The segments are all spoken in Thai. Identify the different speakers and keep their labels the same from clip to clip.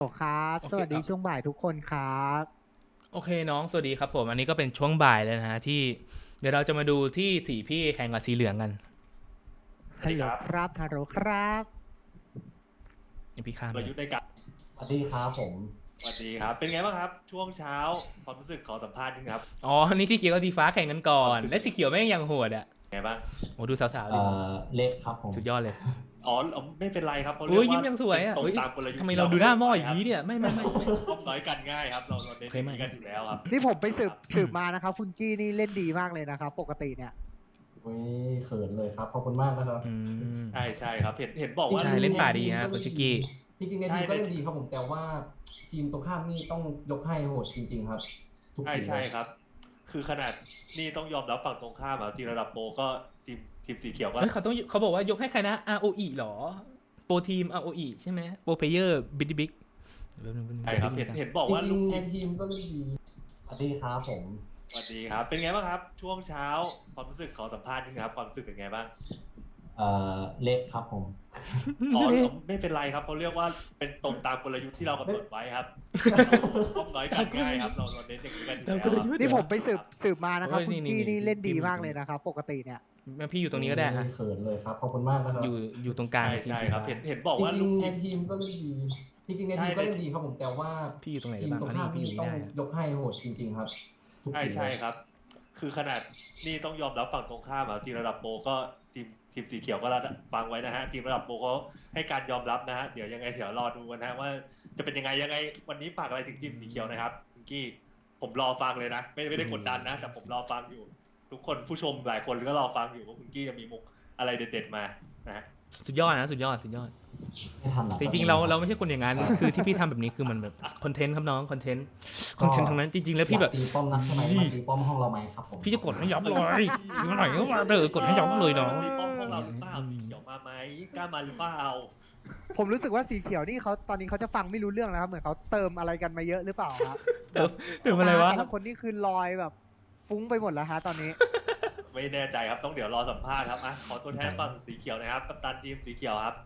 Speaker 1: ครับ
Speaker 2: โอเค
Speaker 1: สวัสดีช่วงบ่ายทุกคนครับ
Speaker 2: โอเคน้องสวัสดีครับผมอันนี้ก็เป็นช่วงบ่ายแล้วนะฮะที่เดี๋ยวเราจะมาดูที่สีพี่แข่งกับสีเหลืองกัน
Speaker 1: ฮัลโหล
Speaker 3: สวัสดีครับ
Speaker 1: ครับฮัลโหลครับ
Speaker 2: อย่างพี่ข้าม
Speaker 3: ก
Speaker 2: เลย
Speaker 3: ลยุทธ์ในการ
Speaker 4: สวัสดีครับผม
Speaker 3: สวัสดีครับเป็นไงบ้างครับช่วงเช้าความรู้สึกขอสัมภาษณ์นิดนึงครับ
Speaker 2: อ๋ออันนี้สีเขียวกับสีฟ้าแข่งกันก่อนและสีเขียวแม่งยังโหดอ่ะ
Speaker 3: ไงบ้าง
Speaker 2: โอ้ดูสาวๆดิ
Speaker 4: เล็กครับผม
Speaker 2: สุดยอดเลย
Speaker 3: อ๋อไม่เป็นไรครับเพราะ
Speaker 2: โอ้ย
Speaker 3: เรี
Speaker 2: ยิ้
Speaker 3: ก
Speaker 2: ม
Speaker 3: ว่า
Speaker 2: ยังสวยอ่ะ
Speaker 3: ตรง
Speaker 2: เฮ้ย
Speaker 3: ตามกลยุทธ์
Speaker 2: ทำไมเราดูหน้าหม้ออย่างนี้เนี่ยไม่
Speaker 3: ป้อมน้อยกันง่ายครับเราเน้น
Speaker 2: โอเคไหม
Speaker 3: กันอยู่แล้วครับ
Speaker 1: นี่ผมไปสืบมานะครับคุณกี้นี่เล่นดีมากเลยนะครับปกติเนี่ย
Speaker 4: อุ้ยเขินเลยครับ ขอบคุณมากนะครับ
Speaker 2: อืม
Speaker 3: ใช่ครับเห็นบอกว่า
Speaker 2: ใช่เล่นป่าดีนะคุณชิกกี้
Speaker 4: จริงๆในทีมก็เล่นดีครับผม แต่ว่าทีมตรงข้ามนี่ต้องยกให้โหดจริงๆครับ ทุกทีม
Speaker 3: ใช่ครับ คือขนาดนี่ต้องยอมรับฝั่งตรงข้ามอ่ะทีมระดับโปรก็ทีมสีเขียวก็
Speaker 2: เฮ้ยเขาบอกว่ายกให้ใครนะ ROE หรอโปรทีม ROE ใช่ไหมโปรเพเยอร์บิ๊กบิ๊ก
Speaker 3: ใช่ครับเห็นบอกว่า
Speaker 4: จ
Speaker 3: ลู
Speaker 4: ริ
Speaker 3: ก
Speaker 4: งๆ
Speaker 3: ที
Speaker 4: ใน
Speaker 3: ม
Speaker 4: ทีมก็เล่นดีสวัสดีครับผม
Speaker 3: สวัสดีครับเป็นไงบ้างครับ ช่วงเช้าความรู้สึกขอสัมภาษณ์นิดนึงครับความรู้สึกเป็นไงบ้าง
Speaker 4: เล็กครับผม
Speaker 3: อ๋อไม่เป็นไรครับเขาเรียกว่าเป็นตรงตามกลยุทธ์ที่เรากำหนดไว้ครับป้อมน้อยกันง่ายครับเราเน้นอย่างนี้กันอยู่แล้วครับ
Speaker 1: นี่ผมไปสืบมานะครับคุณกี้นี่เล่นดีมากเลยนะครับปกติเนี่ย
Speaker 2: พี่อยู่ตรงนี้ก็ได้อะ
Speaker 4: เขินเลยครับ ขอบคุณมากนะครับ
Speaker 2: อยู่ตรงกลาง
Speaker 3: ใช่ครับเห็นบอก
Speaker 4: จ
Speaker 3: ว่า
Speaker 4: ริ
Speaker 3: ลู
Speaker 4: ง
Speaker 3: ก
Speaker 4: ๆ
Speaker 3: ที
Speaker 4: ใน
Speaker 3: ม
Speaker 4: ทีมก็เล่นดี จริงๆในทีมก็เล่นดีครับผม แต่ว่า
Speaker 2: พี่อยู่ตรงไหน
Speaker 4: ทีม
Speaker 2: บ้าง
Speaker 4: ตรง
Speaker 2: อันนี้
Speaker 4: ข้าม
Speaker 2: พี่อยู่
Speaker 4: นี่
Speaker 2: นี่
Speaker 4: ต้อง
Speaker 2: ได้อะ
Speaker 4: ยกให้โหดจริงๆครับ ทุกทีม
Speaker 3: ใช่ครับ คือขนาดนี่ต้องยอมรับฝั่งตรงข้ามอ่ะทีมระดับโปรก็ทีมสีเขียวก็ฟังไว้นะฮะทีมระดับโปรเขาให้การยอมรับนะฮะเดี๋ยวยังไงเดี๋ยวรอดูกันนะฮะว่าจะเป็นยังไงวันนี้ฝากอะไรถึงทีมสีเขียวนะครับคุณกี้ผมรอฟังเลยนะไม่ได้กดดันนะแต่ผมรอฟังอยู่ ทุกคนผู้ชมหลายคนก็รอฟังอยู่ว่าคุณกี้จะมีมุกอะไรเด็ดๆมานะฮะ
Speaker 2: สุดยอดนะสุดยอด
Speaker 4: ไม่ทำหรอก
Speaker 2: แต่จริงๆเราไม่ใช่คนอย่างนั้น คือที่พี่ทำแบบนี้คือมันแบบคอนเทนต์ครับน้องคอนเทนต์ทั้งนั้นจริงๆแล้วพี่แบบ
Speaker 4: อยากตีป้อมนักใช่ไหมมาตีป้อมห้องเราไหมครับผม
Speaker 2: พี่จะกดให้ยับเลยถึงหน่อยก็มาเถอะกดให้ยับเลยน้อง
Speaker 3: ตีป้อมพวกเราหรือเปล่าสีเขียวมาไหมกล้ามาหรือเปล่า
Speaker 1: ผมรู้สึกว่าสีเขียวนี่เขาตอนนี้เขาจะฟังไม่รู้เรื่องแล้วครับเหมือนเขาเติมอะไรกันมาเยอะหรือเปล่าครับ
Speaker 2: เติมอะไรวะ
Speaker 1: แต่ละคนนี่คือลอยแบบฟุ้งไปหมดแล้วฮะตอนนี้
Speaker 3: ไม่แน่ใจครับต้องเดี๋ยวรอสัมภาษณ์ครับอ่ะขอตัวแทนฝั่งสีเขียวนะครับกัปตันทีมสีเขียวครับ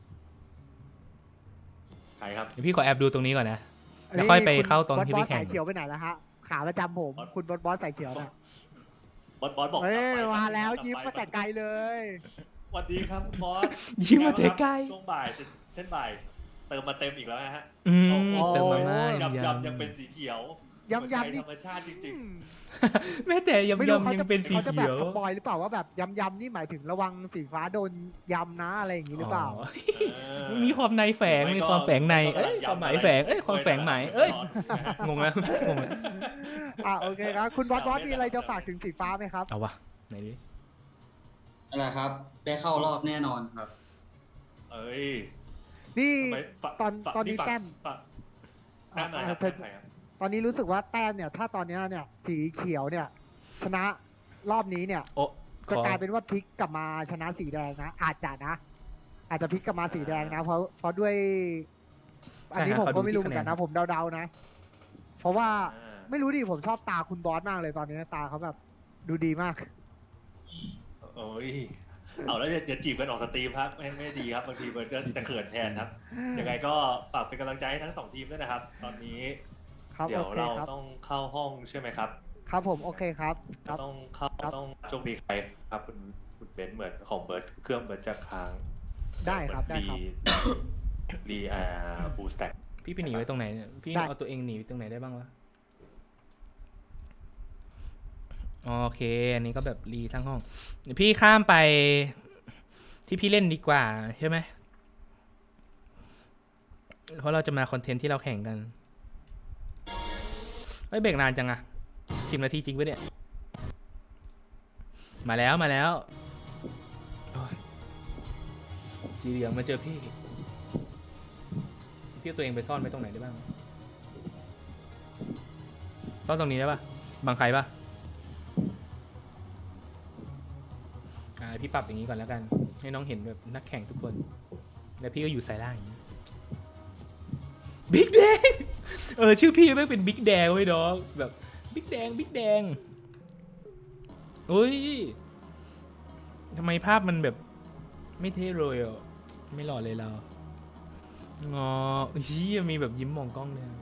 Speaker 3: ใครครับ
Speaker 2: เดี๋ยวพี่ขอแอบดูตรงนี้ก่อนนะแล้วค่อยไปเข้าตอนที่พี่แข่
Speaker 1: บอส
Speaker 2: ง
Speaker 1: สายเขียวไปไหนแล้วฮะขาประจำผมคุณบอสสายเขียวนะ
Speaker 3: บอสบอก
Speaker 1: เฮ้ย
Speaker 3: กลับไป
Speaker 1: มาแล้ว
Speaker 3: กลับไป
Speaker 1: ยิ้มมาแต่ไกลเลย
Speaker 3: สวัสดีครับบอส
Speaker 2: ยิ้มมาแต่ไกล
Speaker 3: ช่วงบ่ายเช่นบ่ายเติมมาเต็มอีกแล้วนะฮะ
Speaker 2: เติมมาม่า
Speaker 3: ยั
Speaker 2: ยำ
Speaker 3: ยังเป็นสีเขียว
Speaker 1: ย้ำ
Speaker 3: หัวใจ
Speaker 1: นี่
Speaker 3: ธรรมชาติจริง
Speaker 2: แม้แต่ยำ
Speaker 1: ไม่รู้
Speaker 2: ยำ
Speaker 1: เขา
Speaker 2: ยั
Speaker 1: จะ
Speaker 2: งเป็นสี
Speaker 1: เขาจะแบ
Speaker 2: เขี
Speaker 1: บ
Speaker 2: ยว
Speaker 1: สปอยหรือเปล่าว่าแบบยำนี่หมายถึงระวังสีฟ้าโดนยำนะอะไรอย่างนี้หรือเปล่า
Speaker 2: มีความในแฝงมีความแฝงในเอ้ยความหมายแฝงเอ้ยความแฝงหมายเอ้ยงงแล้วงงแล้ว
Speaker 1: โอเคครับคุณบอสมีอะไรจะฝากถึงสีฟ้าไหมครับ
Speaker 2: เอาวะไหนดิ
Speaker 5: นั่นแหละครับ ได้เข้ารอบแน่นอนครับ
Speaker 3: เอ้ย
Speaker 1: นี่
Speaker 3: ทำไม
Speaker 1: ตอนนี้แต้ม
Speaker 3: แต้มไหนครับ
Speaker 1: เธอ
Speaker 3: แต้มไหนครับ
Speaker 1: ตอนนี้รู้สึกว่าแต้มเนี่ย ถ้าตอนนี้เนี่ย สีเขียวเนี่ย ชนะรอบนี้เนี่ย
Speaker 2: โอ้
Speaker 1: จะกลายเป็นว่าพลิกกลับมาชนะสีแดงนะ อาจจะพลิกกลับมาสีแดงนะ เพราะด้วย อันนี้ผมก็ไม่รู้เหมือนกันนะ ผมเดาๆนะ เพราะว่าไม่รู้ดิผมชอบตาคุณบอสมากเลยตอนนี้ตาเขาแบบดูดีมาก
Speaker 3: โอ้ยเอาแล้วอย่าจีบกันออกสตรีมครับไม่ดีครับบางทีมันจะเขินแทนครับยังไงก็ฝากเป็นกำลังใจให้ทั้งสองทีมด้วยนะครับ ตอนนี้
Speaker 1: ครับ
Speaker 3: เดี๋ยว
Speaker 1: โอเค
Speaker 3: เรา
Speaker 1: ครับ
Speaker 3: ต้องเข้าห้องใช่ไหมครับ
Speaker 1: ครับผมโอเคครับครับ
Speaker 3: ต้องเข้า
Speaker 1: ครับ
Speaker 3: ต้องโชคดีใครครับคุณเบนซ์เหมือนของเบิร์ดเครื่องเบิร์ดจะค้าง
Speaker 1: ได้ครับได้ครับ
Speaker 3: รีบูสแต็ก
Speaker 2: พี่ไปหนีไว้ตรงไหนเนี่ยพี่
Speaker 1: ได้
Speaker 2: เอาตัวเองหนีไปตรงไหนได้บ้างวะโอเค อันนี้ก็แบบรีทั้งห้องเดี๋ยวพี่ข้ามไปที่พี่เล่นดีกว่าใช่ไหมเพราะเราจะมาคอนเทนต์ที่เราแข่งกันเฮ้ยเบรกนานจังอะ10 นาทีจริงปะเนี่ยมาแล้วโอ้ยสีเหลืองมาเจอพี่เอาตัวเองไปซ่อนไว้ตรงไหนได้บ้างซ่อนตรงนี้ได้ปะบังใครปะพี่ปรับอย่างนี้ก่อนแล้วกันให้น้องเห็นแบบนักแข่งทุกคนแล้วพี่ก็อยู่สายล่างอย่างนี้บิ๊กแดงชื่อพี่ไม่งเป็นบิ๊กแดงเว้ยน้องแบบบิ๊กแดงเฮ้ยทำไมภาพมันแบบไม่เท่เลยอ่ะไม่หล่อเลยเราอ๋อชี้มีแบบยิ้มมองกล้องเลย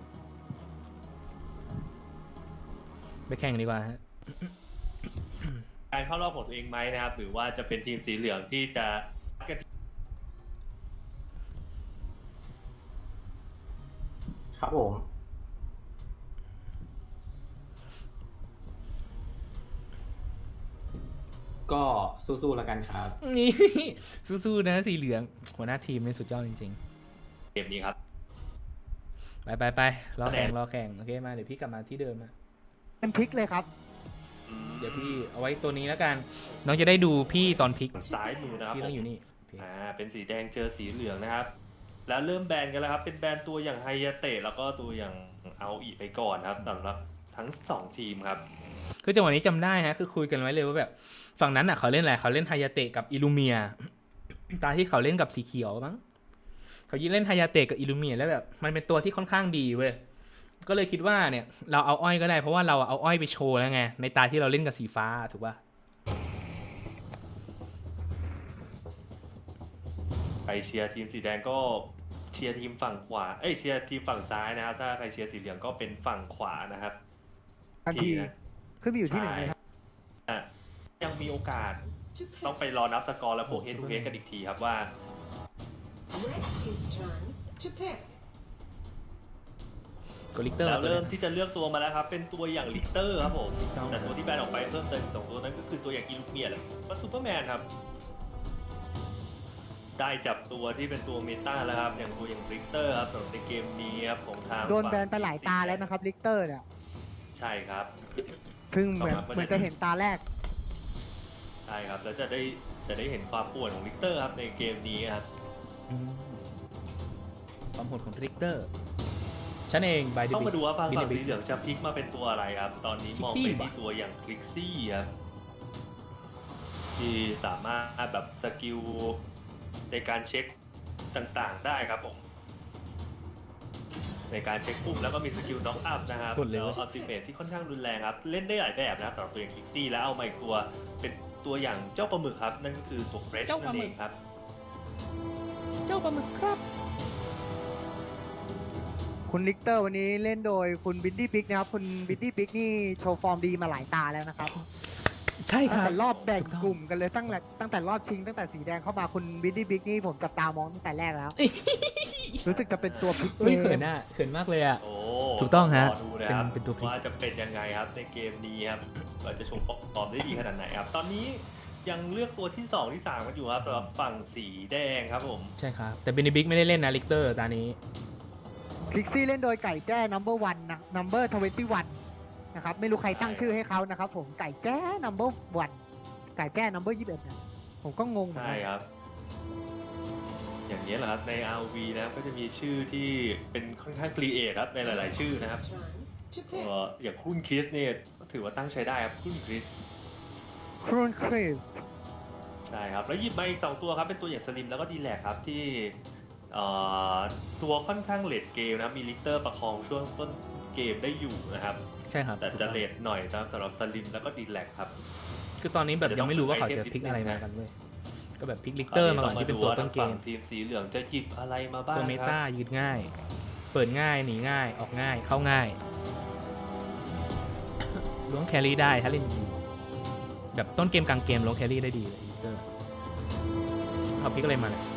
Speaker 2: ไปแข่งดีกว่าฮะ
Speaker 3: การเข้ารอบของตัวเองไหมนะครับ หรือว่าจะเป็นทีมสีเหลืองที่จะ
Speaker 6: ครับผมก็สู้ๆแล้วกันครับ
Speaker 2: นี่ สู้ๆนะสีเหลืองหัวหน้าทีมนี่สุดยอดจริง
Speaker 3: เกมนี้ครับ
Speaker 2: ๆ ไปรอแข่งโอเคมาเดี๋ยวพี่กลับมาที่เดิมนะ
Speaker 1: เป็นพลิกเลยครับ
Speaker 2: เดี๋ยวพี่เอาไว้ตัวนี้แล้วกันน้องจะได้ดูพี่ตอนพลิก
Speaker 3: ซ้ายมือนะครับ
Speaker 2: พี่ต้องอยู่นี่โอเค
Speaker 3: เป็นสีแดงเจอสีเหลืองนะครับ แล้วเริ่มแบนกันแล้วครับ เป็นแบนตัวอย่างไฮยาเตะแล้วก็ตัวอย่างเอาอีไปก่อนครับสำหรับทั้ง2ทีมครับ
Speaker 2: คือจังหวะนี้จำได้ฮะคือคุยกันไว้เลยว่าแบบฝั่งนั้นอ่ะเขาเล่นอะไรเขาเล่นไฮยาเตะกับอิลูเมีย ตาที่เขาเล่นกับสีเขียวมั้งเขายิงเล่นไฮยาเตะกับอิลูเมียแล้วแบบมันเป็นตัวที่ค่อนข้างดีเว้ยก็เลยคิดว่าเนี่ยเราเอาอ้อยก็ได้เพราะว่าเราเอาอ้อยไปโชว์แล้วไงในตาที่เราเล่นกับสีฟ้าถูกป่ะ
Speaker 3: ใครเชียร์ทีมสีแดงก็เชียร์ทีมฝั่งขวา เชียร์ทีมฝั่งซ้ายนะครับ ถ้าใครเชียร์สีเหลืองก็เป็นฝั่งขวานะครับ
Speaker 1: ทันที
Speaker 3: นะ
Speaker 1: ขึ้นไปอยู่ที่หนึ่งเลยครับ
Speaker 3: อ่ะยังมีโอกาสต้องไปรอนับสกอร์และบวกเฮดทูเฮดกันอีกทีครับว่า
Speaker 7: Red team's turn to pick.
Speaker 2: ก็ลิกเตอร์
Speaker 3: แล้วเริ่มที่จะเลือกตัวมาแล้วครับ เป็นตัวอย่างลิกเตอร์ครับผม
Speaker 2: ต้อง
Speaker 3: แต่ตัวที่แบนออกไปเพิ่มเติมอีก2ตัวนั้นก็คือตัวอย่างอิลูเมียและก็ซูเปอร์แมนครับ ได้จับตัวที่เป็นตัวเมตาแล้วครับ อย่างตัวอย่างลิกเตอร์ครับสำหรับในเกมนี้ครับของทาง
Speaker 1: โดนแบนไปหลายตาแล้วนะครับลิกเตอร์เนี่ย
Speaker 3: ใช่ครับ
Speaker 1: เพิ่งเหมือนจะเห็นตาแรก
Speaker 3: ใช่ครับ แล้วจะได้เห็นความป่วนของลิกเตอร์ครับในเกมนี้ครับ
Speaker 2: อืมความโหดของลิกเตอร์ฉันเองบายเด
Speaker 3: ต้อง
Speaker 2: บิ
Speaker 3: มาดูว่าฝั่ง
Speaker 2: บิ
Speaker 3: สีเหลืองจะพลิกมาเป็นตัวอะไรครับ ตอนนี้มองไปที่ตัวอย่างคลิกซี่ครับที่สามารถแบบสกิลในการเช็คต่างๆได้ครับผมในการเช็คปุ่มแล้วก็มีสกิลน็อกอัพนะครับแล้วอัลติเมทที่ค่อนข้างรุนแรงครับเล่นได้หลายแบบนะครับสำหรับตัวอย่างคลิกซี่แล้วเอามาอีกตัวเป็นตัวอย่างเจ้าปลาหมึกครับนั่นก็คือตัวเฟรชนั่นเองครับ
Speaker 2: เจ้าปลาหมึกครับ
Speaker 1: คุณลิกเตอร์วันนี้เล่นโดยคุณบินดี้พิกนะครับ คุณบินดี้พิกนี่โชว์ฟอร์มดีมาหลายตาแล้วนะครับ
Speaker 2: ใช่ค
Speaker 1: ตั้ง
Speaker 2: รับ
Speaker 1: แต่รอบแบ่ง
Speaker 2: ถูกต้อง
Speaker 1: กลุ่มกันเลยตั้งแต่รอบชิงตั้งแต่สีแดงเข้ามาคุณบินดี้พิกนี่ผมจับตามองตั้งแต่แรกแล้ว รู้สึกจะเป็นตัวพลิก
Speaker 2: เฮ้ย
Speaker 1: เก
Speaker 2: เขิ
Speaker 1: ม
Speaker 2: นอ่ะเขินมากเลยอ่ะ
Speaker 3: โอ้
Speaker 2: ถูกต้องฮะ
Speaker 3: รดูนะครับ
Speaker 2: เป็นตัวพลิก
Speaker 3: ว่าจะเป็นยังไงครับในเกมนี้ครับเราจะโชว์ฟอร์มได้ดีขนาดไหนครับ ตอนนี้ยังเลือกตัวที่ 2 ที่ 3 กันอยู่ครับสำหรับฝั่งสีแดงครับผม
Speaker 2: ใช่ครับแต่เบนบิกไม่ได้เล่นนะลิกเตอร์ตานี้
Speaker 1: คลิกซี่เล่นโดยไก่แจ้ number 1 นะ number 21 นะครับ ไม่รู้ใครตั้งชื่อให้เขานะครับผมไก่แจ้ number 1 ไก่แจ้ number 21นะผมก็งงเหมือน
Speaker 3: ใช่
Speaker 1: กัน
Speaker 3: ครับ อย่างนี้แหละครับใน RV นะครับก็จะมีชื่อที่เป็นค่อนข้างครีเอทครับในหลาย ๆ ชื่อนะครับ
Speaker 7: Turn to pick.
Speaker 3: อย่างคุณคริสเนี่ยถือว่าตั้งใช้ได้ครับคุณคริส
Speaker 1: ครูนคริส
Speaker 3: ใช่ครับแล้วหยิบมาอีก2ตัวครับเป็นตัวอย่างสลิมแล้วก็ดีแลกครับที่ตัวค่อนข้างเลดเกมนะครับมีลิกเตอร์ประคองช่วงต้นเกมได้อยู่นะครับ
Speaker 2: ใช่ครับ
Speaker 3: แต่จะเลดหน่อยสำหรับสลิมแล้วก็ดีแลกครับ
Speaker 2: คือตอนนี้แบบยังไม่รู้ว่าเขาจะพลิกอะไรมากันเว้ยก็แบบพลิกลิกเตอร์มาก่อนที่เป็นตัวต้นเกม
Speaker 3: ทีมสีเหลืองจะหยิบอะไรมาบ้าง
Speaker 2: ตัวเม
Speaker 3: ค
Speaker 2: ตา
Speaker 3: รับ
Speaker 2: ยืดง่าย เปิดง่ายหนีง่ายออกง่ายเข้าง่าย ล้วงแครี่ได้ถ้าเล่นดีแบบต้นเกมกลางเกมล้วงแครี่ได้ดีเลยลิกเตอร์เอาพลิกอะไรมาเนี่ย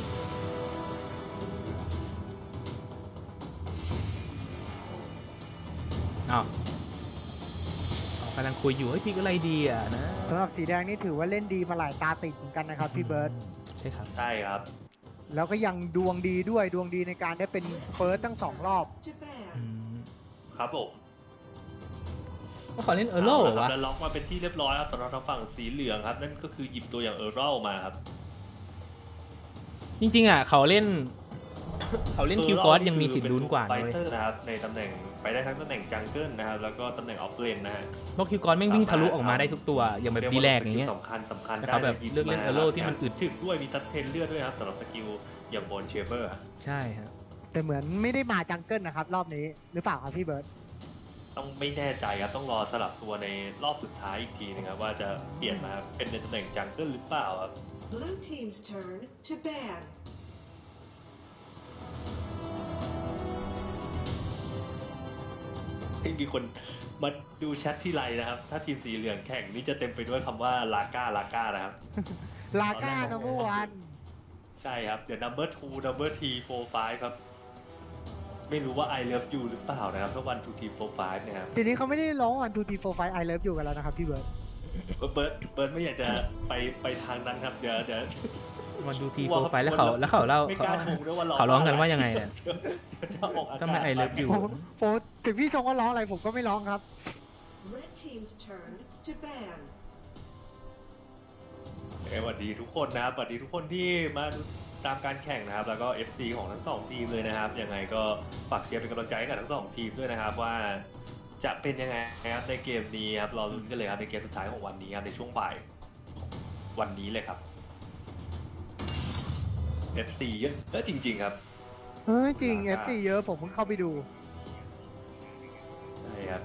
Speaker 2: อ้าวกำลังคุยอยู่เฮ้ยพลิกอะไรดีอ่ะนะ
Speaker 1: สำหรับสีแดงนี่ถือว่าเล่นดีมาหลายตาติดเหมือนกันนะครับพี่เบิร์ต
Speaker 2: ใช่ครับ
Speaker 3: ใช่ครับ
Speaker 1: แล้วก็ยังดวงดีด้วยดวงดีในการได้เป็นเฟิร์สทั้ง2 รอบ
Speaker 7: To ban.
Speaker 2: อืม
Speaker 3: ครับผม
Speaker 2: ว่าเขาเล่นเออร์โร่เหรอวะ
Speaker 3: แล้วล็อกมาเป็นที่เรียบร้อยครับสำหรับทางฝั่งสีเหลืองครับนั่นก็คือหยิบตัวอย่างเออร์เรลมาครับ
Speaker 2: จริงๆอ่ะเขาเล่น คิวกอสยังมีสิทธิ์ลุ้นกว่า
Speaker 3: ไฟ
Speaker 2: นะเลย
Speaker 3: เตอร์นะครับในตำแหน่งไปได้ทั้งตำแหน่งจังเกิลนะครับแล้วก็ตำแหน่งออฟเลนนะฮะ
Speaker 2: เพราะคิวกอสแม่งวิ่งทะลุออกมาได้ทุกตัว อย่างแบบดีแลกอย่างเงี้ย
Speaker 3: สำคัญ
Speaker 2: แต่เขาแบบ
Speaker 3: ได้
Speaker 2: เลือกเล่น
Speaker 3: มา
Speaker 2: เออร์โร่ที่มันอึด
Speaker 3: ถึงด้วยมีซัดเทนเลือดด้วยครับสำหรับสกิลอย่างบอลเชเบอร์
Speaker 2: ใช่ฮะ
Speaker 1: แต่เหมือนไม่ได้มาจังเกิลนะครับ รอบนี้หรือเปล่าครับพี่เบิร์ต
Speaker 3: ต้องไม่แน่ใจครับต้องรอสลับตัวในรอบสุดท้ายอีกทีนึงครับว่าจะเปลี่ยนมาเป็นในตำแหน่งจังเกิลหรือเปล่าครับ
Speaker 7: Blue team's turn to ban.
Speaker 3: ไม่มีคนมาดูแชทที่ไรนะครับ ถ้าทีมสีเหลืองแข่งนี่จะเต็มไปด้วยคำว่าลาก้านะครับ
Speaker 1: ลาก้านัมเบอร์วัน
Speaker 3: ใช่ครับ เดี๋ยว number 2 number 3 4 5 ครับ ไม่รู้ว่า I love you หรือเปล่านะครับถ้า1 2 3 4 5เนี่ยครับ
Speaker 1: ทีนี้เขาไม่ได้ร้องวันทูทีโฟร์ไฟไอเลิฟอยู่กันแล้วนะครับพี่เบิร์ด
Speaker 3: เบิร์ดไม่อยากจะไปทางนั้นครับ เดี๋ยว
Speaker 2: มันดูทีโฟร์ไฟล์แล้วเขาเล่า
Speaker 3: ไม่กล้าชงด้วยว่า
Speaker 2: เขาร้องกันว่ายังไงเนี่ย
Speaker 3: เดี๋ยวจะออกอา
Speaker 2: ต้อง
Speaker 3: กา
Speaker 2: ไม่
Speaker 3: ศ
Speaker 2: ไอเลิฟอยู่
Speaker 1: ผมถึงพี่ชงว่าร้องอะไรผมก็ไม่ร้องครับ
Speaker 7: Red team's turn to ban.
Speaker 3: สวัสดีทุกคนนะครับสวัสดีทุกคนที่มาตามการแข่งนะครับ แล้วก็ FC ของทั้งสองทีมเลยนะครับ ยังไงก็ฝากเชียร์เป็นกำลังใจให้กับทั้งสองทีมด้วยนะครับว่าจะเป็นยังไงนะครับในเกมนี้ครับรอลุ้นกันเลยครับในเกมสุดท้ายของวันนี้ครับในช่วงบ่ายวันนี้เลยครับ FC เยอะจริงๆครับ
Speaker 1: เฮ้ยจริง FC เยอะผมเพิ่งเข้าไปดู
Speaker 3: ใช่ครับ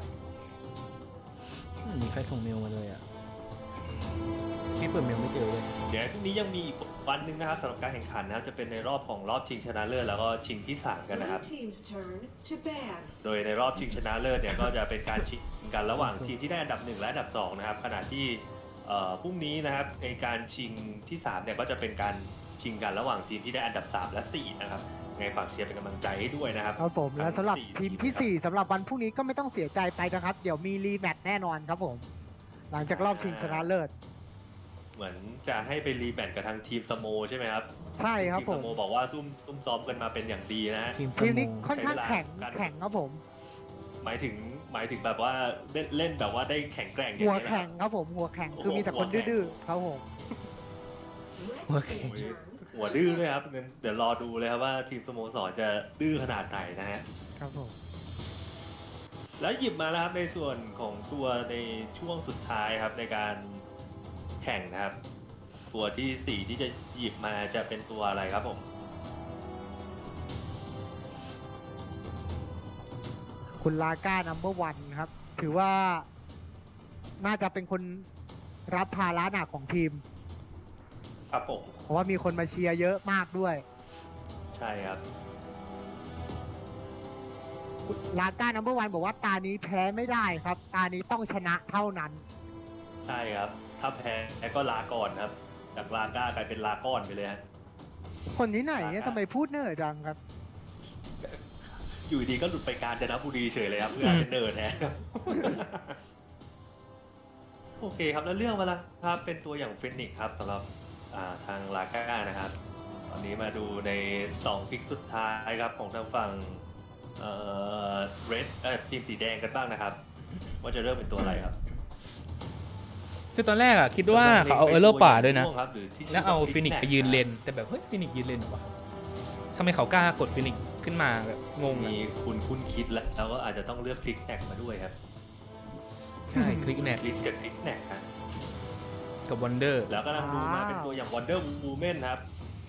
Speaker 2: มีใครส่งเมลมาเลยอ่ะพี่เปิดเมลไม่เจอเลย
Speaker 3: เดี๋ยวพรุ่งนี้ยังมีอีกวันหนึ่งนะครับสำหรับการแข่งขันนะครับจะเป็นในรอบของรอบชิงชนะเลิศแล้วก็ชิงที่ 3 กันนะครับ
Speaker 7: Red team's turn to ban.
Speaker 3: โดยในรอบชิงชนะเลิศเนี่ยก็จะเป็นการชิงกันระหว่างทีมที่ได้อันดับ 1 และอันดับ 2 นะครับขณะที่พรุ่งนี้นะครับในการชิงที่ 3 เนี่ยก็จะเป็นการชิงกันระหว่างทีมที่ได้อันดับ 3 และ 4 นะครับไงฝากเชียร์เป็นกำลังใจให้ด้วยนะครับ
Speaker 1: ครับผมและสำหรับทีมที่ 4สำหรับวันพรุ่งนี้ก็ไม่ต้องเสียใจไปนะครับ เดี๋ยวมีรีแมตช์แน่นอนครับผม หลังจากรอบชิงชนะเลิศ
Speaker 3: เหมือนจะให้ไปรีแมตช์กับทางทีมสโมใช่ไหมครับ
Speaker 1: ใช่ครับ
Speaker 3: ทีม
Speaker 1: ผ
Speaker 3: ส
Speaker 1: ม
Speaker 3: โมบอกว่าซุ่มซ้อมกันมาเป็นอย่างดีนะฮะ
Speaker 2: ทีม
Speaker 1: ทีมนี้
Speaker 2: สโม
Speaker 1: ค่อนข้างแข็ง
Speaker 3: ใช้เวลา
Speaker 1: แข็งครับผม
Speaker 3: หมายถึงแบบว่าเล่นแบบว่าได้แข็งแกร่งอย่าง
Speaker 1: หัว
Speaker 3: นี้ยนะค
Speaker 1: แข็
Speaker 3: รั
Speaker 1: ง
Speaker 3: บ
Speaker 1: ครับผมหัวแข็งคือมีแต่คนดื้อๆครับผม
Speaker 7: Red team's turn
Speaker 3: หัวดื้อด้วยครับเดี๋ยวรอดูเลยครับว่าทีมสโมสรจะดื้อขนาดไหนนะฮะ
Speaker 1: ครับผม
Speaker 3: แล้วหยิบมาแล้วครับในส่วนของตัวในช่วงสุดท้ายครับในการแข่งนะครับ ตัวที่ 4 ที่จะหยิบมาจะเป็นตัวอะไรครับผม
Speaker 1: คุณลาก้านัมเบอร์วันครับ ถือว่าน่าจะเป็นคนรับภาระหนักของทีม
Speaker 3: ครับผม
Speaker 1: เพราะว่ามีคนมาเชียร์เยอะมากด้วย
Speaker 3: ใช่ครับ
Speaker 1: ลาก้านัมเบอร์วันบอกว่าตานี้แพ้ไม่ได้ครับ ตานี้ต้องชนะเท่านั้น
Speaker 3: ใช่ครับ ถ้าแพ้ก็ลาก่อนครับจากลาก้ากลายเป็นลาก้อนไปเลยฮะ
Speaker 1: คนที่ไหนเนี่ยทำไมพูดเนิ่อจังครับ
Speaker 3: อยู่ดีก็หลุดไปกาญจนบุรีเฉยเลยครับเพื่อเป็นเนิร์ดแทนครับ โอเคครับแล้วเรื่องมาแล้วครับเป็นตัวอย่างเฟนิกซ์ครับสำหรับทางลาก้านะครับ ตอนนี้มาดูใน2พิกสุดท้ายครับของทางฝั่งเรดทีมสีแดงกันบ้างนะครับ ว่าจะเริ่มเป็นตัวอะไรครับ
Speaker 2: คือตอนแรกอ่ะคิดว่าเขาเอาเออร์โลป่าด้วยนะ
Speaker 3: ครับหรือที่
Speaker 2: แล้วเอาฟินิกซ์ไปยืนเลนแต่แบบเฮ้ยฟินิกซ์ยืนเลนเหรอวะทำไมเขากล้ากดฟินิกซ์ขึ้นมาแบบงง
Speaker 3: มี
Speaker 2: อะ
Speaker 3: คุณคิดแล้วก็อาจจะต้องเลือกคลิกแน็กมาด้วยครับ
Speaker 2: ใช่คลิกแนก
Speaker 3: คลิกกับคลิกแน็กครับ
Speaker 2: กับวันเดอร์
Speaker 3: แล้วก็กำลังดูมาเป็นตัวอย่าง Wonder Woman ครับ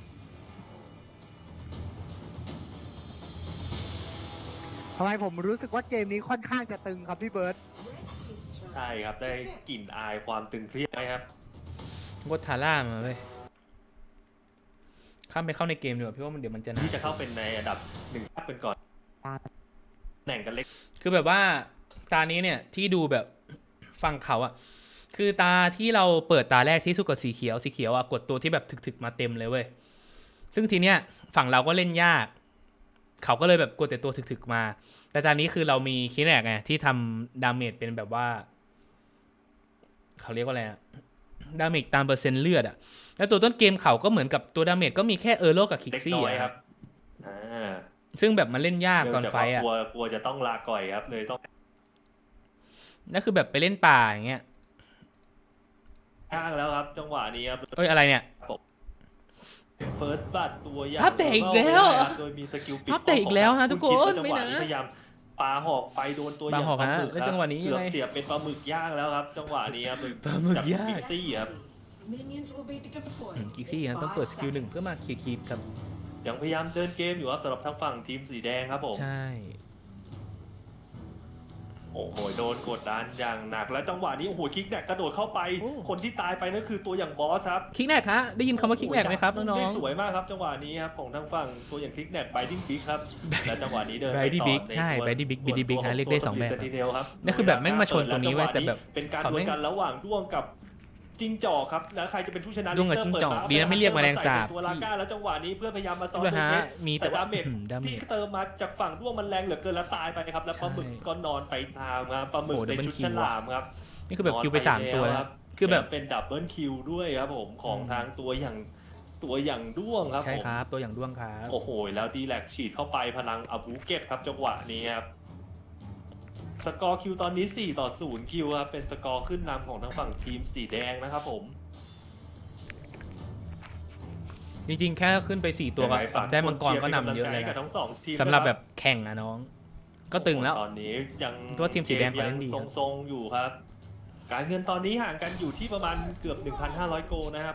Speaker 1: ทำไมผมรู้สึกว่าเกมนี้ค่อนข้างจะตึงครับพี่เบิร์ต
Speaker 7: Red team's turn
Speaker 3: ใช่ครับ ได้
Speaker 7: to pick.
Speaker 3: กลิ่นอายความตึงเครียดไหมครับ
Speaker 2: กดทาร่ามาเว้ยข้ามไปเข้าในเกมดีกว่าพี่ว่ามันเดี๋ยวมันจะนาน
Speaker 3: ที่จะเข้าเป็นในอันดับ1ทับเป็นก่อนแหน่งกันเล็ก
Speaker 2: คือแบบว่าตานี้เนี่ยที่ดูแบบฟังเขาอะคือตาที่เราเปิดตาแรกที่สู้กับสีเขียวอะกดตัวที่แบบถึกๆมาเต็มเลยเว้ยซึ่งทีเนี้ยฝั่งเราก็เล่นยากเขาก็เลยแบบกดแต่ตัวถึกๆมา แต่ตอนนี้คือเรามีคิแนกไงที่ทำดาเมจเป็นแบบว่าเขาเรียกว่าอะไรอะดาเมจตามเปอร์เซ็นต์เลือดอะแล้วตัวต้นเกมเขาก็เหมือนกับตัวดาเมจก็มีแค่เออร์โลกับคิก
Speaker 3: เล็ก
Speaker 2: ซี่
Speaker 3: น้อย
Speaker 2: อะ
Speaker 3: ครับอ่า
Speaker 2: ซึ่งแบบมันเล่นยาก
Speaker 3: เนื่
Speaker 2: ต
Speaker 3: อ
Speaker 2: อง น
Speaker 3: จาก
Speaker 2: ไฟ
Speaker 3: ว่า
Speaker 2: อะ
Speaker 3: กลัวจะต้องลาก่อยครับ เลยต้อง
Speaker 2: นั่นคือแบบไปเล่นป่าอย่างเงี้ย
Speaker 3: ข้างแล้วครับ จังหวะนี้ครับ
Speaker 2: เอ้ยอะไรเนี่ย
Speaker 3: เฟิร์สบัตตัวอย่าง
Speaker 2: ภาพแตกอีกแล้ว
Speaker 3: โดยมีสกิลปิด
Speaker 2: ภาพแตกอีกแล้วนะทุกคน
Speaker 3: ณดว่าจังหวะ
Speaker 2: ไม่นะ
Speaker 3: พยายามปาหอกไปโดนตัวอ
Speaker 2: ปา
Speaker 3: ย่าง
Speaker 2: หอก
Speaker 3: ปลา
Speaker 2: ฮะ
Speaker 3: หมึก
Speaker 2: แล้ว
Speaker 3: ค
Speaker 2: จั
Speaker 3: รับ
Speaker 2: งหวะนี้
Speaker 3: เกือบ
Speaker 2: ยังไง
Speaker 3: เสียบเป็นปลาหมึกย่างแล้วครับ จังหวะนี้ครับ
Speaker 2: ปลาหมึกย่าง
Speaker 3: พิกซี่ครับ
Speaker 7: Minions will be deployed
Speaker 2: กิกซี่
Speaker 7: in
Speaker 2: ฮะต้องเปิด
Speaker 7: 5
Speaker 2: สกิลหนึ่งเพื่อมา
Speaker 7: seconds.
Speaker 2: เคลียร์คีปครับ
Speaker 3: ยังพยายามเดินเกมอยู่ครับสำหรับทางฝั่งทีมสีแดงครับผม
Speaker 2: ใช่
Speaker 3: โอ้โหโดนกดดันอย่างหนักแล้วจังหวะนี้โอ้โหคิกแนกกระโดดเข้าไป
Speaker 2: โอ้
Speaker 3: คนที่ตายไปนั่นคือตัวอย่างบอสครับ
Speaker 2: คิกแนกฮะได้ยินคำว่าคิกแนกไหมครับน้
Speaker 3: ได้
Speaker 2: อง
Speaker 3: สวยมากครับจังหวะนี้ครับของทางฝั่งตัวอย่างคิกแนกไบดิ้งบิ๊กครับและจังหวะนี้เดิน
Speaker 2: ไบ
Speaker 3: ไป
Speaker 2: ดี้
Speaker 3: ต่อ
Speaker 2: บิ๊ก
Speaker 3: ใน
Speaker 2: ใช่
Speaker 3: ส่วน
Speaker 2: ไบดี้บิ๊ก
Speaker 3: ส่
Speaker 2: บี
Speaker 3: วน
Speaker 2: ดี้บิ๊ก
Speaker 3: ตัว
Speaker 2: ฮะเรียกได้สองแบบ
Speaker 3: ตัว Sentinel ครับ
Speaker 2: นั่นคือแบบแม่งมาชนตรงนี้เว้ยแต่แบบ
Speaker 3: เป็นการ
Speaker 2: เขา
Speaker 3: ด
Speaker 2: ไม่
Speaker 3: วลกันระหว่างด้วงกับจิ้งจอกครับแล้วใครจะเป็นผู้ชนะ
Speaker 2: ด้วงกับจิ้งจอกดีนะไม่เรียกแมลงสาบ
Speaker 3: ตัวลาก้าแล้วจังหวะนี้เพื่อพยายามมาซ้อน
Speaker 2: ด้วย
Speaker 3: ตัว
Speaker 2: ฮะ
Speaker 3: เพชร
Speaker 2: มี
Speaker 3: แต่
Speaker 2: แต่ว่า
Speaker 3: ดาเมจ
Speaker 2: ดาเม
Speaker 3: ที่
Speaker 2: จ
Speaker 3: เติมมาจากฝั่งด้วงมันแรงเหลือเกินแล้วตายไปครับแล้วปลาหมึก
Speaker 2: ใช่
Speaker 3: ก็นอนไปตามครับปลาหมึก
Speaker 2: โอ้
Speaker 3: ใน
Speaker 2: double
Speaker 3: ชุด
Speaker 2: kill
Speaker 3: ฉลามครับ
Speaker 2: นี่คือแบบคิวไป3ตัวแล้วคือแบบ
Speaker 3: เป็นดับเบิลคิวด้วยครับผมของทางตัวอย่างด้วงครับ
Speaker 2: ใช่
Speaker 3: ผม
Speaker 2: ครับตัวอย่างด้วงครับ
Speaker 3: โอ้โหแล้วดีแลกฉีดเข้าไปพลังอาบูเกตครับจังหวะนี้ครับสกอร์คิวตอนนี้4-0คิวครับเป็นสกอร์ขึ้นนำของทางฝั่งทีมสีแดงนะครับผม
Speaker 2: จริงๆแค่ขึ้นไป4ตัวก็
Speaker 3: ยังไงฝาก
Speaker 2: ได้มังกรก็นำเยอะ
Speaker 3: ค
Speaker 2: เลย
Speaker 3: กับ
Speaker 2: นะ
Speaker 3: ทั้งสองทีม
Speaker 2: สำหรับ
Speaker 3: นะค
Speaker 2: แบบแข่งอะน้อง ก็ตึงแล้ว
Speaker 3: ตอนนี้ยัง
Speaker 2: ตัวทีมสีแดงเขาเล่นดี
Speaker 3: กมยังทรงๆอยู่ครับ การเงินตอนนี้ห่างกันอยู่ที่ประมาณเกือบ 1,500 โกนะครับ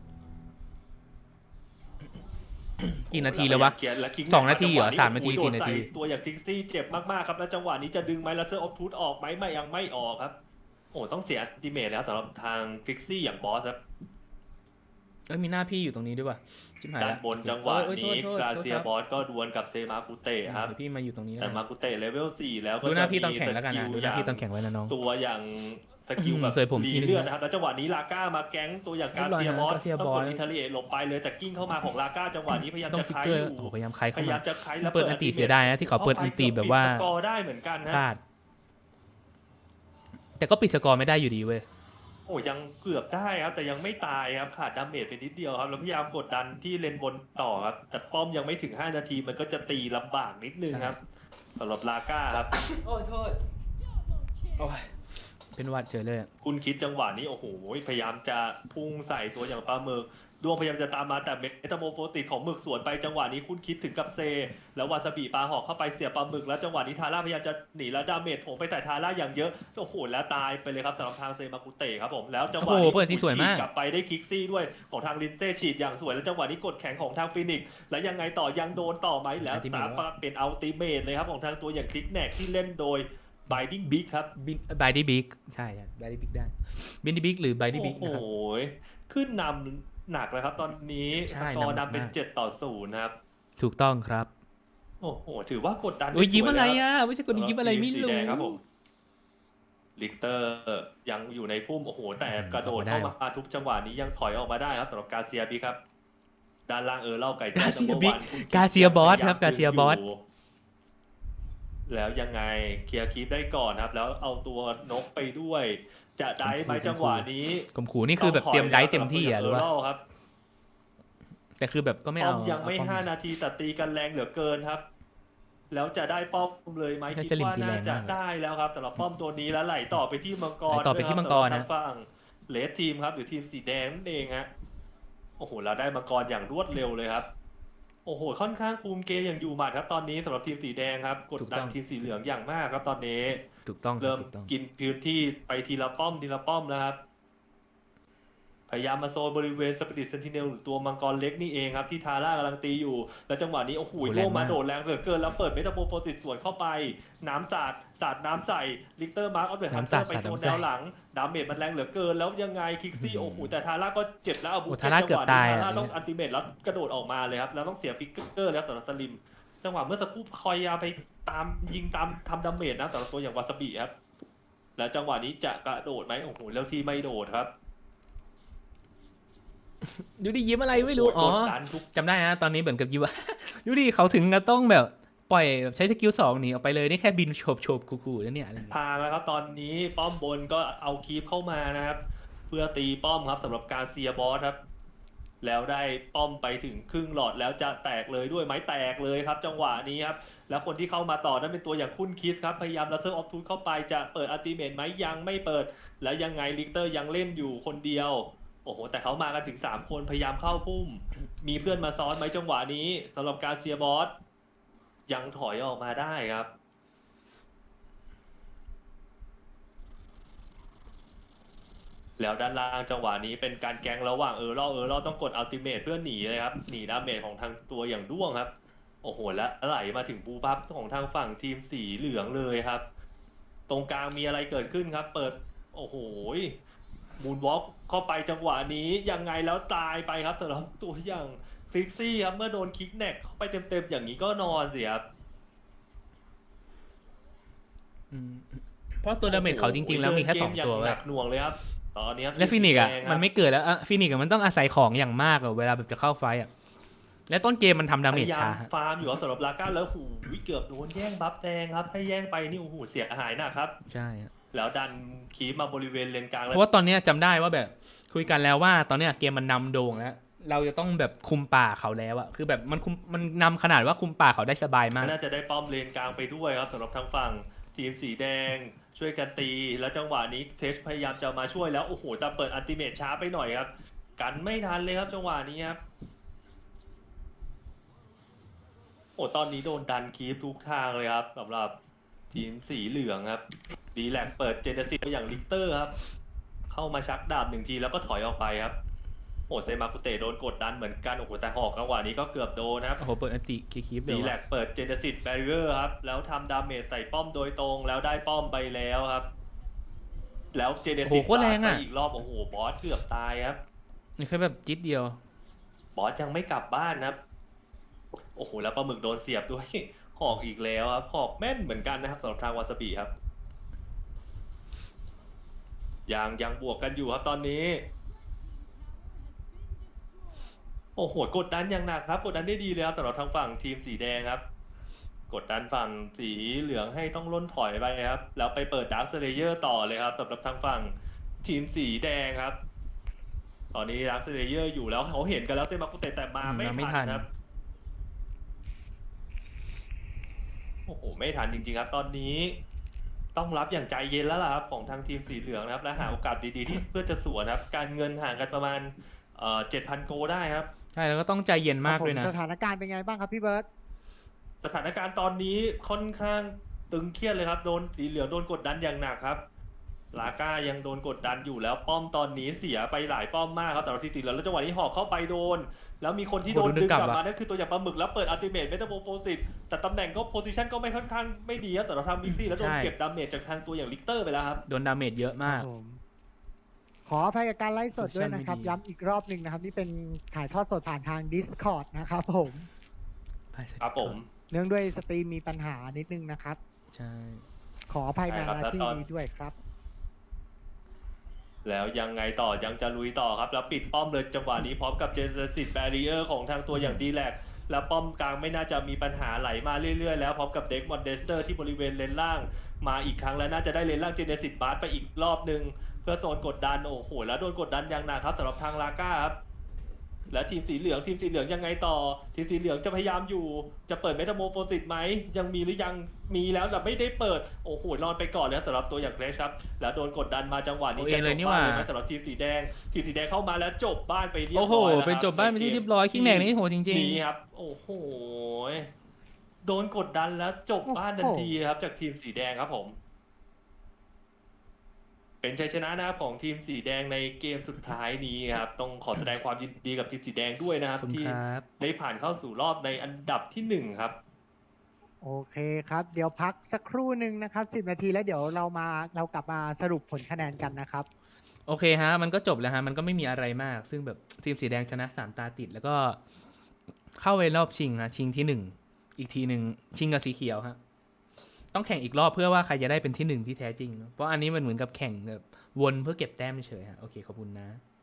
Speaker 2: กี่นาทีแล้ววะ 2 นาทีเหรอ3 นาที 4 นาที
Speaker 3: ตัวอย่างทิกซี่เจ็บมากๆครับแล้วจังหวะนี้จะดึงไหมแล้วเซอร์ออฟทูธออกไหมไม่ยังไม่ออกครับโอ้ต้องเสียอัลติเมทแล้วสำหรับทางฟิกซี่อย่างบอสครับ
Speaker 2: เอ้ยมีหน้าพี่อยู่ตรงนี้ด้วยว่ะชิบหาย
Speaker 3: ด้าน
Speaker 2: ละ
Speaker 3: บนจังหวะ
Speaker 2: โอ้ย
Speaker 3: นี้
Speaker 2: โทษ
Speaker 3: กราเซีย
Speaker 2: โทษ
Speaker 3: บอสก็ดวลกับเซมากุเตะครับ
Speaker 2: เดี๋ยวพี่มาอยู่ตรงนี้
Speaker 3: แต่
Speaker 2: นะ
Speaker 3: มากุเตะเลเวล 4 แล้วก็
Speaker 2: ดูหน้าพี่ตอน
Speaker 3: จะมี
Speaker 2: แข่งแล้วกันนะ
Speaker 3: ส
Speaker 2: ดูหน้าพี่ตอนแข่งไว้นะน้อง
Speaker 3: ตัวอย่างสกิลแบบ
Speaker 2: เสยผมที
Speaker 3: รี
Speaker 2: นึง
Speaker 3: เลือดนะครับแล้วจังหวะนี้ลาก้ามาแก๊งตัวอย่างกาเซียบอส
Speaker 2: เรียบร้
Speaker 3: ต้อ
Speaker 2: อง ย
Speaker 3: ก
Speaker 2: นะ
Speaker 3: ดอิทาเลียหลบไปเลยแต่กิ้งเข้ามาของลาก้าจังหวะนี้พยายาม
Speaker 2: ต้อง
Speaker 3: จะ
Speaker 2: ฟิก
Speaker 3: ใช้
Speaker 2: เกอ
Speaker 3: อ
Speaker 2: ร์
Speaker 3: ยู่
Speaker 2: โอ้โหพยายามใคร
Speaker 3: พ
Speaker 2: เข้าย
Speaker 3: ายา
Speaker 2: มา
Speaker 3: มจะใช้แล้ว
Speaker 2: เปิดอันตีเสียดายนะที่เขาเปิดอันตีแบบว่า
Speaker 3: สกอร์ได้เหมือนกันนะ
Speaker 2: พลาดแต่ก็ปิดสกอร์ไม่ได้อยู่ดีเว้ย
Speaker 3: โอ้ยังเกือบได้ครับแต่ยังไม่ตายครับขาดดาเมจไปนิดเดียวครับแล้วพยายามกดดันที่เลนบนต่อครับแต่ป้อมยังไม่ถึง5 นาทีมันก็จะตีลำบากนิดนึงครับสำหรับลาก้าครับ
Speaker 5: โอ้ยโทษ
Speaker 2: โอ้ยเป็นหวัดเฉยเลยอะ
Speaker 3: คุณคิดจังหวะนี้โอ้โหพยายามจะพุ่งใส่ตัวอย่างปลาหมึกดวงพยายามจะตามมาแต่เมตาโมโฟติกของหมึกสวนไปจังหวะนี้คุณคิดถึงกับเซ แล้ววาซาบิปลาหอกเข้าไปเสียบปลาหมึกแล้วจังหวะนี้ทาร่าพยายามจะหนีแล้วดาเมจโถงไปใส่ทาร่าอย่างเยอะโอ้โหแล้วตายไปเลยครับสำหรับทางเซมากุเตะครับผมแล้วจังหวะ
Speaker 2: โอ้
Speaker 3: นี้
Speaker 2: โหเปิดที่สวยมาก
Speaker 3: ฉีดกลับไปได้คิกซี่ด้วยของทางลินเซ่ฉีดอย่างสวยแล้วจังหวะนี้กดแข็งของทางฟินิกซ์แล้วยังไงต่อยังโดนต่อไหมแล้วตามมาเป็นอัลติเมทเลยครับของทางตัวอย่างคลิกแนกที่เล่นโดย Binding Big ครับ
Speaker 2: บายดี้บิ๊กใช่บายดี้บิ๊กได้บินดี้บิ๊กหรือบายดี้บิ๊ก
Speaker 3: โอ้
Speaker 2: นะครับ
Speaker 3: โหขึ้นนำหนักเลยครับตอนนี้ส
Speaker 2: ใช่
Speaker 3: กอร์
Speaker 2: นำหนัก
Speaker 3: นำเป็น
Speaker 2: มาก
Speaker 3: 7-0นะครับ
Speaker 2: ถูกต้องครับ
Speaker 3: โอ้โหถือว่ากดดัน
Speaker 2: โอ้ยยิ้ม
Speaker 3: สว
Speaker 2: อะไร
Speaker 3: แล้ว
Speaker 2: อ่ะไม่ใช่คนยิ้มอะไรไม่
Speaker 3: สี
Speaker 2: รู้
Speaker 3: แดงครับผมลิกเตอร์ยังอยู่ในพุ่มโอ้โหแต่กระโดด
Speaker 2: ออกมาได้
Speaker 3: เข้ามาทุกจังหวะนี้ยังถอยออกมาได้ครับสำหรับกาเซียบีครับด้านล่างเล่าไก่
Speaker 2: กาเซีย
Speaker 3: จัมโบ้
Speaker 2: บิ๊ก
Speaker 3: วันคุณ
Speaker 2: กาเซียบอสครับ
Speaker 3: พยยม
Speaker 2: กาเซียบอส
Speaker 3: ยู่แล้วยังไงเคลียร์คีปได้ก่อนครับ แล้วเอาตัวนกไปด้วย จะได้ไหมจังหวะนี้
Speaker 2: กลมขู่นี่คือแบบเตรียมได้เต็มที่อ่ะหรือว่า
Speaker 3: ครับ
Speaker 2: แต่คือแบบก็ไม่
Speaker 3: ป้อ
Speaker 2: เอา
Speaker 3: มยังไม่
Speaker 2: เอป้อ
Speaker 3: 5 นาทีแต่ตีกันแรงเหลือเกินครับ แล้วจะได้ป้อมเลยไหม
Speaker 2: น่า
Speaker 3: คิด
Speaker 2: จะลิม
Speaker 3: ว่า
Speaker 2: ตีแร
Speaker 3: น่าง จะ
Speaker 2: มาก
Speaker 3: ได้แล้วครับสำหรับป้อมตัวนี้แล้วไหลต่อไปที่มังกร
Speaker 2: ไหลต่อไปที่มังกร
Speaker 3: ด้วยคบ
Speaker 2: นะ
Speaker 3: สำหบทางฝั่งเลดทีมครับหรือทีมสีแดงนั่นเองฮะโอ้โหเราได้มังกรอย่างรวดเร็วเลยครับ โอ้โหค่อนข้างคุมเกมอย่างอยู่หมัดครับตอนนี้สำหรับทีมสีแดงครับกดดันทีมสีเหลืองอย่างมากครับตอนนี้
Speaker 2: ถูกต้องครั
Speaker 3: เริ่
Speaker 2: บ
Speaker 3: ม
Speaker 2: ถูกต้อง
Speaker 3: กินพื้นที่ไปทีละป้อมแล้วครับ พยายามมาโซนบริเวณสปิริตเซนติเนลหรือตัวมังกรเล็กนี่เองครับที่ทาร่ากำลังตีอยู่ แล้วจังหวะนี้โอ้โหโล่มาโดดแรงเหลือเกินแล้วเปิดเมตาโปรโฟติสสวนเข้าไปน้ำสาดน้ำใส่ลิกเตอร์มาร์คเอาเดอะฮันเตอร์ไปโดนแนวหลังดาเมจมันแรงเหลือเกินแล้วยังไงคิกซี่โอ้โหแต่ทาร่าก็เจ็บแล้วเอาบุก
Speaker 2: ทาร่าเกือบตาย
Speaker 3: ทา
Speaker 2: อ่ะ
Speaker 3: ร่าต้องอัลติเมทแล้วกระโดดออกมาเลยครับแล้วต้องเสียฟิกเกอร์แล้วสำหรับสลิมจังหวะเมื่อสักครู่คอยยาไปตามยิงตามทำดาเมจนะสำหรับตัวอย่างวาซาบิครับแล้วจังหวะนี้จะกระโดดไหมโอ้โหแล้วที่ไม่โดดครับ
Speaker 2: ดูดิยิ้มอะไรไม่รู้อ๋อก
Speaker 3: ดดันทุก
Speaker 2: จำได้นะตอนนี้เหมือนกับยิ้มว่า ดูดิเขาถึงกับต้องแบบปล่อยแบบใช้สกิล2หนีออกไปเลยนี่แค่บินโฉบขู่ๆแล้วเนี่ยอะไรอย่างเงี้ย
Speaker 3: ทางแล้วครับตอนนี้ป้อมบนก็เอาคีปเข้ามานะครับเพื่อตีป้อมครับสำหรับการเซียบอสครับแล้วได้ป้อมไปถึงครึ่งหลอดแล้วจะแตกเลยด้วยไหมแตกเลยครับจังหวะนี้ครับแล้วคนที่เข้ามาต่อนั้นเป็นตัวอย่างคุณคิสครับพยายามลัสเซอร์ออฟทูธเข้าไปจะเปิดอัลติเมทไหมยังไม่เปิดแล้วยังไงลิกเตอร์ยังเล่นอยู่คนเดียวโอ้โหแต่เขามากันถึง3คนพยายามเข้าพุ่มมีเพื่อนมาซ้อนไหมจังหวะนี้สำหรับการเซียบอสยังถอยออกมาได้ครับ แล้วด้านล่างจังหวะนี้เป็นการแกงระหว่างเราต้องกดอัลติเมทเพื่อหนีเลยครับหนีดาเมจของทางตัวอย่างด้วงครับโอ้โหแล้วไหลมาถึงบูบัฟของทางฝั่งทีมสีเหลืองเลยครับตรงกลางมีอะไรเกิดขึ้นครับ เปิดโอ้โหมูนวอล์กเข้าไปจังหวะนี้ยังไงแล้วตายไปครับสำหรับตัวอย่างคลิกซี่ครับเมื่อโดนคิกแนกเข้าไปเต็มๆอย่างนี้ก็นอนสิครับ
Speaker 2: เพราะตัวดาเมจเขาจริงๆแล้วมีแค่
Speaker 3: เดินเก
Speaker 2: 2 ตัว
Speaker 3: ย่างห
Speaker 2: เว้
Speaker 3: นั
Speaker 2: ย
Speaker 3: กหน่วงเลยครับตอนนี้ครับ
Speaker 2: และฟินิกซ์อ่ะ
Speaker 3: แดงครับ
Speaker 2: มันไม่เกิดแล้วฟินิกซ์มันต้องอาศัยของอย่างมากอะเวลาแบบจะเข้าไฟต์อ่ะและต้นเกมมันทำดาเมจ
Speaker 3: พยายา
Speaker 2: ช้า
Speaker 3: มฟาร์มอยู่ครับสำหรับลาก้าแล้วหูยเกือบโดนแย่งบัฟแดงครับถ้าแย่งไปนี่โอ้โหเสียหายหนะครับ
Speaker 2: ใช่ฮะ
Speaker 3: แล้วดันคีบมาบริเวณเลนกลาง
Speaker 2: เพ
Speaker 3: แล้ว
Speaker 2: ราะว่าตอนเนี้ยจำได้ว่าแบบคุยกันแล้วว่าตอนเนี้ยเกมมันนำโด่งแล้ว เราจะต้องแบบคุมป่าเขาแล้วอะคือแบบมันนำขนาดว่าคุมป่าเขาได้สบายมาก
Speaker 3: น่าจะได้ป้อมเลนกลางไปด้วยครับสำหรับทางฝั่งทีมสีแดงช่วยกันตี แล้วจังหวะนี้เทสพยายามจะมาช่วยแล้วโอ้โหแต่เปิดอัลติเมทช้าไปหน่อยครับกันไม่ทันเลยครับจังหวะนี้ครับโอ้ตอนนี้โดนดันคีฟทุกทางเลยครับสำหรับทีมสีเหลืองครับดีแลกเปิดเจเนซิสไปอย่างลิกเตอร์ครับเข้ามาชักดาบหนึ่งทีแล้วก็ถอยออกไปครับโอ้เซมากุเตะโดนกดดันเหมือนกันโอ้โหแต่หอกจังหวะนี้ก็เกือบโดนนะครับ
Speaker 2: โอ้โหเปิดอันติคีบเล
Speaker 3: ดี
Speaker 2: ย
Speaker 3: แล
Speaker 2: ว่ะ
Speaker 3: กเปิดเจเนซิสแบร r เ e อร์ครับ แล้วทำดาเมจใส่ป้อมโดยตรงแล้วได้ป้อมไปแล้วครับ แล้วเจเน
Speaker 2: โอ้โห
Speaker 3: ซิส
Speaker 2: โคตรแรงอะ
Speaker 3: อีกรอบโอ้โหบอสเกือบตายครับ
Speaker 2: นี่แค่แบบจิ๊ดเดียว
Speaker 3: บอสยังไม่กลับบ้านนะครับ โอ้โหแล้วปลาหมึกโดนเสียบด้วย หอกอีกแล้วครับหอกแม่นเหมือนกันนะครับสำหรับทางวาซาบิครับยังบวกกันอยู่ครับตอนนี้ โอ้โหกดดันอย่างหนักครับกดดันได้ดีเลยครับสำหรับทางฝั่งทีมสีแดงครับ กดดันฝั่งสีเหลืองให้ต้องล่นถอยไปครับ แล้วไปเปิดดาร์คเลเยอร์ต่อเลยครับสำหรับทางฝั่งทีมสีแดงครับ ตอนนี้ดาร์คเลเยอร์อยู่แล้วเขาเห็นกันแล้วเซมากุเตะแต่มาไม่
Speaker 2: มาไม่ทั
Speaker 3: ทั
Speaker 2: น
Speaker 3: นครับโอ้โหไม่ทันจริงๆครับ ตอนนี้ต้องรับอย่างใจเย็นแล้วล่ะครับของทางทีมสีเหลืองนะครับและหาโอกาสดีๆที่เพื่อจะสวนครับการเงินห่างกันประมาณ7,000 โกได้ครับ
Speaker 2: ใช่แล้วก็ต้องใจเย็นมากด้วยนะ
Speaker 1: สถานการณ์เป็นไงบ้างครับพี่เบิร์ต
Speaker 3: สถานการณ์ตอนนี้ค่อนข้างตึงเครียดเลยครับโดนสีเหลืองโดนกดดันอย่างหนักครับลาก้ายังโดนกดดันอยู่แล้วป้อมตอนนี้เสียไปหลายป้อมมากครับแต่เราทีสีเหลืองแล้วจังหวะนี้หอกเข้าไปโดน แล้วมีคนที่โดน
Speaker 2: โอ้โห
Speaker 3: ดึงกลับ
Speaker 2: ดึงกลับ
Speaker 3: มา
Speaker 2: อะ
Speaker 3: นั่นคือตัวอย่างปลาหมึกแล้วเปิดอัลติเมทเมตาโมโฟซิสแต่ตำแหน่งก็โพซิชันก็ไม่ค่อนข้างไม่ดีครับแต่เราทำมิกซี่แล้วโดนเก็บดาเมจจากทางตัวอย่างลิกเตอร์ไปแล้วครับ
Speaker 2: โดนดาเมจเยอะมาก
Speaker 1: ผมขออภัยกับการไลฟ์สดด้วยนะครับ
Speaker 2: Position ไม่ดี
Speaker 1: ย้ำอีกรอบหนึ่งนะครับ นี่เป็นถ่ายทอดสดผ่านทาง Discord นะครับผม
Speaker 3: ครับผม
Speaker 1: เนื่องด้วยสตรีมมีปัญหานิดนึงนะครับ
Speaker 2: ใช่
Speaker 1: ขออภัยมา
Speaker 3: ใช่ครับ
Speaker 1: ณ
Speaker 3: แล้ว
Speaker 1: ที่
Speaker 3: ตอน
Speaker 1: นี้ด้วยครับ
Speaker 3: แล้วยังไงต่อยังจะลุยต่อครับแล้วปิดป้อมเลยจังหวะนี้พร้อมกับเจเนซิสแบรีเออร์ของทางตัวอย่างดีแลกแล้วป้อมกลางไม่น่าจะมีปัญหาไหลมาเรื่อยๆแล้วพร้อมกับเด็กมอนเดสเตอร์ที่บริเวณเลนล่างมาอีกครั้งแล้วน่าจะได้เลนล่างเจเนซิสบาร์ไปอีกรอบหนึ่งเพื่อโซนกดดันโอ้โหแล้วโดนกดดันอย่างหนักครับสำหรับทางลาก้าครับและทีมสีเหลืองยังไงต่อทีมสีเหลืองจะพยายามอยู่จะเปิดเมตาโมโฟซิสไหมยังมีหรือยังมีแล้วแต่ไม่ได้เปิดโอ้โหนอนไปก่อนแล้วสำหรับตัวอย่างเกรชครับแล้วโดนกดดันมาจังหวะนี้
Speaker 2: โอ้เองเลยนี่หว่า
Speaker 3: จะจบบ้ไหมสำหรับทีมสีแดงเข้ามาแล้วจบบ้านไปเรียบร้
Speaker 2: โอ้
Speaker 3: อย
Speaker 2: โห
Speaker 3: แล้วครับ
Speaker 2: เป็นจบบ้านเป็นที่เรียบร้อยคิงแหนกนี่โหจริง
Speaker 3: นี่ครับ โอ้โหโดนกดดันแล้วจบบ้านทันทีครับจากทีมสีแดงครับผม เป็นชัยชนะนะครับของทีมสีแดงในเกมสุดท้ายนี้ครับต้องขอแสดงความยินดีกับทีมสีแดงด้วยนะค
Speaker 2: ๆ
Speaker 3: รับ
Speaker 2: ขอบคุณ
Speaker 3: ที่
Speaker 2: ครับ
Speaker 3: ได้ผ่านเข้าสู่รอบในอันดับที่ 1 ครับ
Speaker 1: โอเคครับ เดี๋ยวพักสักครู่หนึ่งนะครับ 10 นาทีแล้วเดี๋ยวเรากลับมาสรุปผลคะแนนกันนะครับ
Speaker 2: โอเคฮะ มันก็จบแล้วฮะ มันก็ไม่มีอะไรมาก ซึ่งแบบทีมสีแดงชนะ3 ตาติด แล้วก็เข้าไปรอบชิงฮะ ชิงที่ 1 อีกทีหนึ่งชิงกับสีเขียวฮะ ต้องแข่งอีกรอบเพื่อว่าใครจะได้เป็นที่ 1 ที่แท้จริงเนอะเพราะอันนี้มันเหมือนกับแข่งแบบวนเพื่อเก็บแต้มเฉยฮะ โอเค ขอบคุณนะ